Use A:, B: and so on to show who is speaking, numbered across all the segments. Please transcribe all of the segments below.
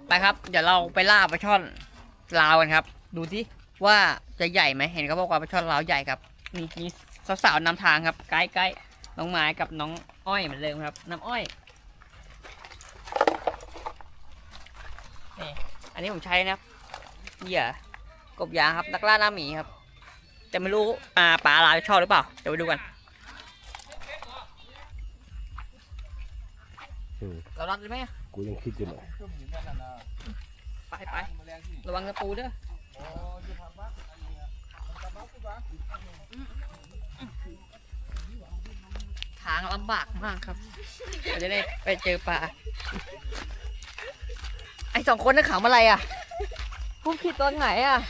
A: ไปครับเดี๋ยวเราไปล่าปลาช่อนลาวกันครับดูสิว่าจะใหญ่ไหมเห็นเขาบอกว่าปลาช่อนลาวใหญ่ครับมีสาวๆนำทางครับไกด์น้องไม้กับน้องอ้อยเหมือนเดิมครับน้ำอ้อยนี่อันนี้ผมใช้นะครับเหยื่อกบยางครับนักล่าหน้าหมีครับแต่ไม่รู้ปลาลาวชอบหรือเปล่าเดี๋ยวไปดูกันเรารัดเลยไหม
B: กูยังคิดอยู่เลย
A: ไประวังตะปูเด้อทางลำบากมากครับเราจะได้ไปเจอปลาไอ้2 คนนั่นขำอะไรอ่ะพูดผิดตอนไหนอ่ะ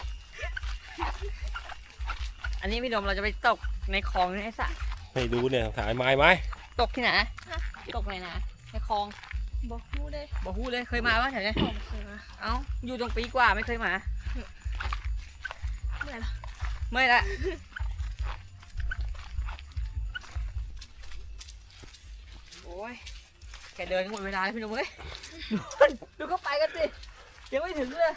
A: อันนี้พี่ดมเราจะไปตกในคลองในสระ
B: ให้ดูเนี่ยถ่ายไม้ไหม
A: ตกที่ไหนตกไหนนะในคลอง
C: บอกฮู้
A: เลยเคยมาปะแถวนี้
C: เคยมา
A: เอ้าอยู่ตรงปีกว่าไม่เคยมาไม่ละโอ้ยแกเดินหมดเวลาแล้วพี่หนุ่มเอ้ยดูเขาไปกันสิยังไม่ถึงเลย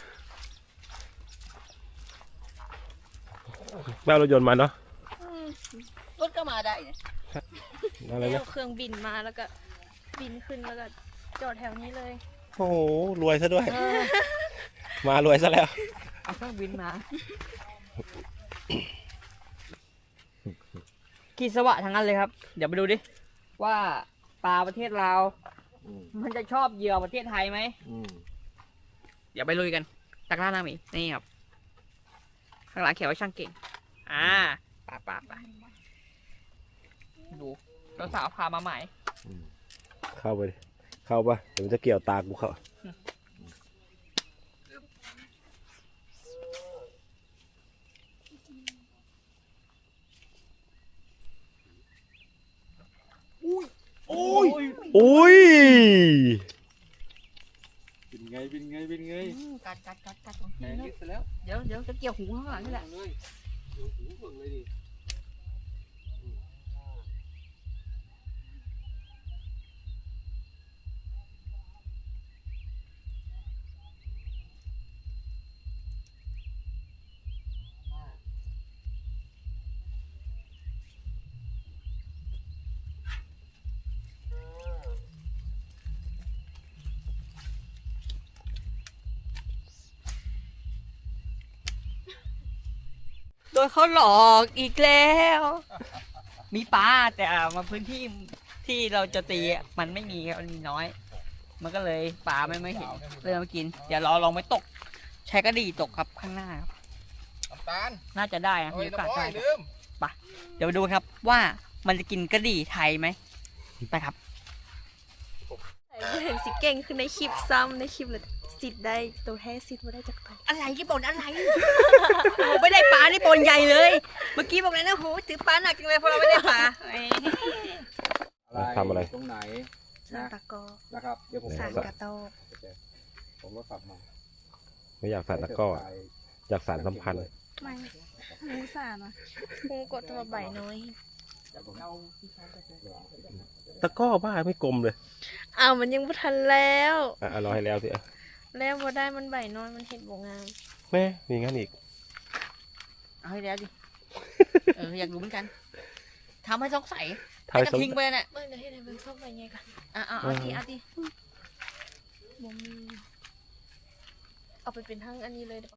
B: แม่รถยนต์มาเนาะ
A: รถก็มาได้เนี่ย
B: อะไรนะ
C: เครื่องบินมาแล้วก็บินขึ้นแล้วก็จอดแถวนี้เลย
B: โอ้โหรวยซะด้วยมารวยซะแล้ว
A: เอาเครื่องบินมากีสวะทั้งนั้นเลยครับเดี๋ยวไปดูดิว่าปลาประเทศลาวมันจะชอบเหยื่อประเทศไทยไหมเดี๋ยวไปลุยกันตักล่าหน้าหมีนี่ครับข้างหลังเขียนว่าช่างเก่งปาดูสาวพามาใหม่
B: เข้าไปเข้าปะเดี๋ยวมันจะเกี่ยวตากูเข้าโอ้ย
D: เป็นไง
A: กัด
D: แหงนิดแล้ว
A: เดี๋ยวจะเกี่ยวหูข้างหลังนี่แหละ
D: เลยเดี๋ยวหูเบิ่งเลยดิ
A: โดนเขาหลอกอีกแล้วมีปลาแต่มาพื้นที่ที่เราจะตีมันไม่มีครับมันมีน้อยมันก็เลยปลาไม่เห็นเลยมากินเดี๋ยวเราลองไปตกใช้กระดี่ตกครับข้างหน้าครับ
D: น้ำตาล
A: น่าจะได้นะมีโอกาสได้ไปเดี๋ยวไปดูครับว่ามันจะกินกระดี่ไทยไหมไปครับ
C: เห็นสิเก่งขึ้นในคลิปซ้ำในคลิปเลยสิทธิ์ได้ตัวแท้สิทธิ์มาได้จากตัว
A: อะไรที่บ่นอะไรโอ้ไม่ได้ปลานี่ปนใหญ่เลยเมื่อกี้บอกเลยนะโหถือปลาหนักจังเลยเพราะเราไม่ได้ปลา
B: ทำอะไร
D: ตรงไหน
C: สานตะกอ
D: นะครับเดี๋ยวผม
C: สานกระโต
D: ผมก็กลับมา
B: ไม่อยากสานตะก้ออยากสานสัมพันธ์
C: ไม่มูสานอ่ะมูกดตัวใบน้อย
B: ตะก้อบ้าไม่กลมเลย
C: มันยังไม่ทันแล้ว
B: รอให้แล้วสิ
C: แล้วพอได้มันใบน้อยมันเห็ดบงงาม
B: แม่มีงั้นอีก
A: เอาให้แล้วดิอยากรู้เหมือนกันทำให้สงสัยจะทิ้งไปน่ะ
C: เมื่อไหร่ให้มันชอบไปไงกัน
A: เอาดิ
C: บ่มีเอาไปเป็นทั้งอันนี้เลย